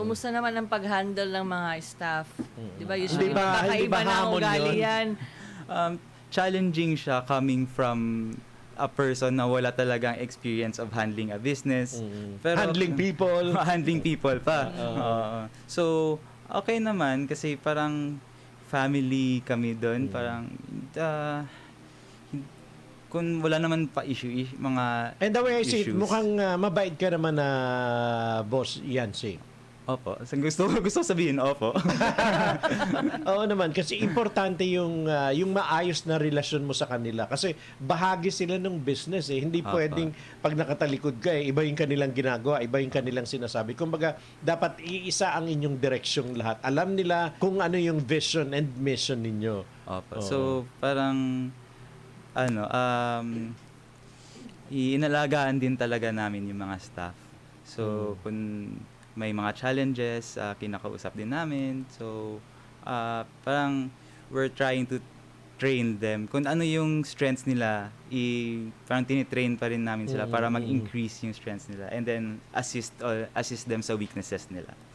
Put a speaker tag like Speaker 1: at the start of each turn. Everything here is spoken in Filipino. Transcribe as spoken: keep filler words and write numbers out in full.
Speaker 1: Kumusta naman ang pag-handle ng mga staff? Di ba
Speaker 2: Hindi
Speaker 1: usually
Speaker 2: ba-
Speaker 1: magkakaiba
Speaker 2: hindi ba
Speaker 1: na ang
Speaker 2: hamon
Speaker 1: ugali
Speaker 2: yun?
Speaker 1: yan?
Speaker 3: Um, challenging siya coming from a person na wala talagang experience of handling a business.
Speaker 2: Handling people.
Speaker 3: handling people pa. Oo. So, okay naman kasi parang family kami doon. Parang, uh, kung wala naman pa issue, is- mga
Speaker 2: And the way I see it,
Speaker 3: issues.
Speaker 2: mukhang ah, mabait ka naman na boss Yancy.
Speaker 3: Opo. So, gusto, gusto sabihin, opo.
Speaker 2: Oo naman, kasi importante yung ah, yung maayos na relasyon mo sa kanila. Kasi bahagi sila ng business eh. Hindi
Speaker 3: Apa.
Speaker 2: pwedeng pag nakatalikod ka eh, iba yung kanilang ginagawa, iba yung kanilang sinasabi. Kumbaga, dapat iisa ang inyong direksyong lahat. Alam nila kung ano yung vision and mission ninyo.
Speaker 3: Opo.
Speaker 2: Oo.
Speaker 3: So, parang, ano, um, inalagaan din talaga namin yung mga staff. So, kung may mga challenges, ah, kinakausap din namin. So, ah, parang we're trying to train them. Kung ano yung strengths nila, i, parang tinitrain pa rin namin sila para mag-increase yung strengths nila. And then, assist, or assist them sa weaknesses nila.